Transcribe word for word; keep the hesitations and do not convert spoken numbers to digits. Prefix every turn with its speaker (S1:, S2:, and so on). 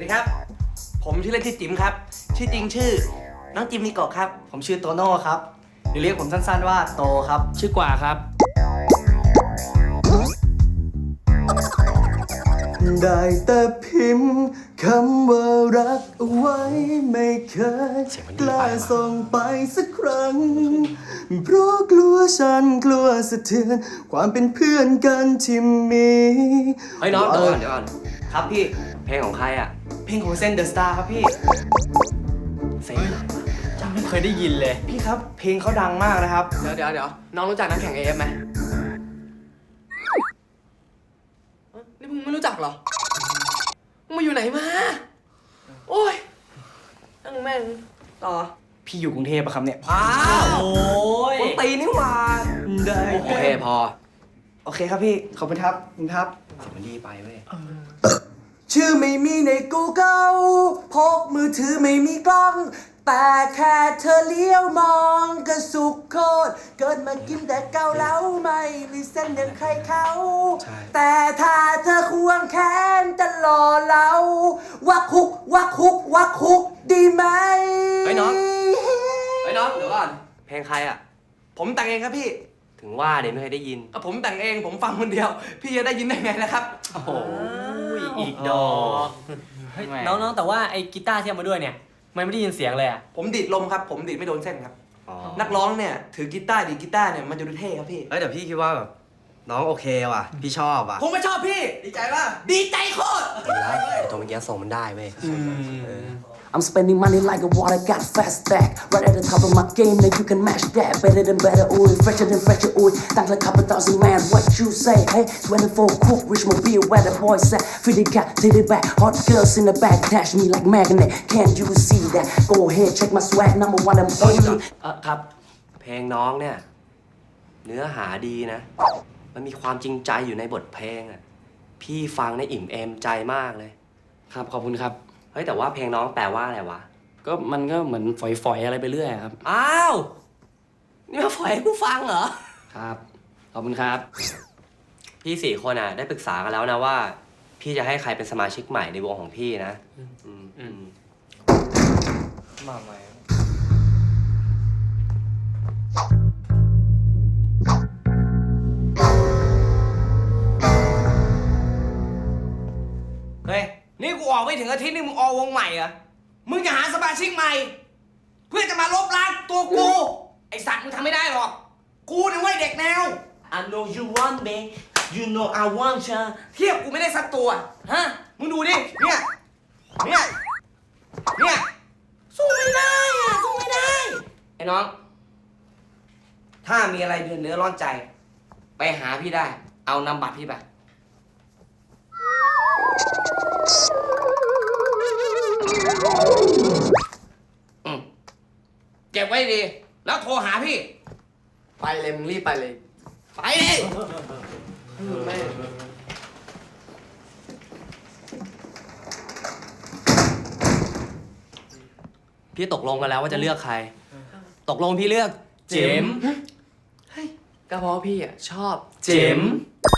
S1: วัสดีครับผมชื่อเล่นชื่อจิ๋มครับชื่อจริงชื่อน้องจิมมิโกะครับ
S2: ผมชื่อโตโน่ครับหรือเรียกผมสั้นๆว่าโตครับ
S3: ชื่อกว่าครับ
S2: ได้แต่พิมพ์คำว่ารักเอาไว้ไม่เคยกล้าส่งไปสักครั้งเพราะกลัวฉันกลัวสะเทือนความเป็นเพื่อนกันที่มี
S1: เฮ้ยน้องเดี๋ยวก่อนเดี๋ยวก่อน
S2: ครับพี่
S1: เพลงของใครอ่ะ
S2: เพลงของเซนเดอะสตาร์ครับพี่
S1: เซ็งอะไรวะ
S3: จำไม่เคยได้ยินเลย
S2: พี่ครับเพลงเขาดังมากนะครับ
S1: เดี๋ยวเดี๋ยวเดี๋ยวน้องรู้จักนักแข่ง เอ เอฟ ไหมเอ้ยนี่มึงไม่รู้จักเหรอมึงมาอยู่ไหนมาโอ้ยนั่งแม่งต่อ
S2: พี่อยู่กรุงเทพปะครับเนี่ย
S1: อ้าว
S3: โอ้ย
S1: คนตีนี่หว่า
S2: ได้
S1: โอเคพอ
S2: โอเคครับพี่ขอบคุณครับขอบคุณครับ
S1: เสียงมันดีไปเว้ย
S2: ชื่อไม่มีใน Google พกมือถือไม่มีกล้อง แต่แค่เธอเลี้ยวมองก็สุขโคตรเกิดมากินแต่เกาเหลาไม่มีเส้นอย่างใครเขา แต่ถ้าเธอควงแขนจะรอเราวักคุกวักคุกวักคุกดีไหม
S1: เฮ้ยน้องเฮ้ยน้องเดี๋ยวก่อนเพลงใครอ่ะ
S2: ผมแต่งเองครับพี่
S1: ถึงว่าเดี๋ยวไม่เคยได้ยิน
S2: อ่ะผมแต่งเองผมฟังคนเดียว พี่จะได้ยินได้ไงนะครับ
S1: โอ้โห
S3: อีกดอกเฮ้ยน้องๆแต่ว่าไอ้กีตาร์ที่เอามาด้วยเนี่ยมันไม่ได้ยินเสียงเลยอ่ะ
S2: ผมดีดลมครับ ผมดีดไม่โดนเส้นครับ
S1: อ๋อ
S2: นักร้องเนี่ยถือกีตาร์ดีดกีตาร์เนี่ยมันจะดูเท่ครับพี่
S4: เอ้ยแต่พี่คิดว่าแบบน้องโอเคว่ะ พี่ชอบว่ะ
S2: ผมไม่ชอบพี่ ดีใจป่ะดีใจโคตร
S1: ดีแล้วไอ้ตัวเมื่อกี้ส่งมันได้เว้ย
S5: I'm spending money like a water, got fast stack. Right at the top of my game, now you can match that. Better than better, ooh, fresher than fresher, ooh. Thanks like couple thousand man, what you say? Hey, twenty-four cook, rich mobile, where the boys at? Feed the cat, take it back. Hot girls in the back, dash me like magnet. Can't you see that? Go ahead, check my swag, number one, I'm only.
S3: เออครับ
S1: เพลงน้องเนี่ย เนื้อหาดีนะ มันมีความจริงใจอยู่ในบทเพลงอ่ะ พี่ฟังในอิ่มเอมใจมากเลย
S3: ครับขอบคุณครับ
S1: เฮ้ยแต่ว่าเพลงน้องแปลว่าอะไรวะ
S3: ก็มันก็เหมือนฝอยๆอะไรไปเรื่อยอะครับ
S1: อ้าว นี่มาฝอยให้กูฟังเหรอ
S3: ครับขอบคุณครับ
S1: พี่สี่คนอ่ะ ได้ปรึกษากันแล้วนะว่า พี่จะให้ใครเป็นสมาชิกใหม่ในวงของพี่นะ อืมอืม
S2: มาใหม่เฮ้ย นี่กูออกไม่ถึงอาทิตย์นี่มึงออกวงใหม่เหรอ มึงจะหาสมาชิกใหม่ เพื่อจะมาลบล้างตัวกู ไอสัตว์มึงทำไม่ได้หรอก กูนี่ไว้เด็กแนว
S6: I know you want me, you know I want you.
S2: เทียบกูไม่ได้สักตัว ฮะ มึงดูดิ เนี่ย เนี่ย เนี่ย สู้ไม่ได้อะสู้ไม่ได้ ไอ้น้อง ถ้ามีอะไรเดือดเนื้อร้อนใจ ไปหาพี่ได้ เอานำบัตรพี่ไป อืมเก็บไว้ดี แล้วโทรหาพี่
S1: ไปเลยมึงรีบไปเลย
S2: ไปเลยแม่
S1: พี่ตกลงกันแล้วว่าจะเลือกใคร ตกลงพี่เลือก เจมส์
S3: เจ๋ม
S1: ก็เพราะพี่อ่ะชอบ
S3: เจ๋ม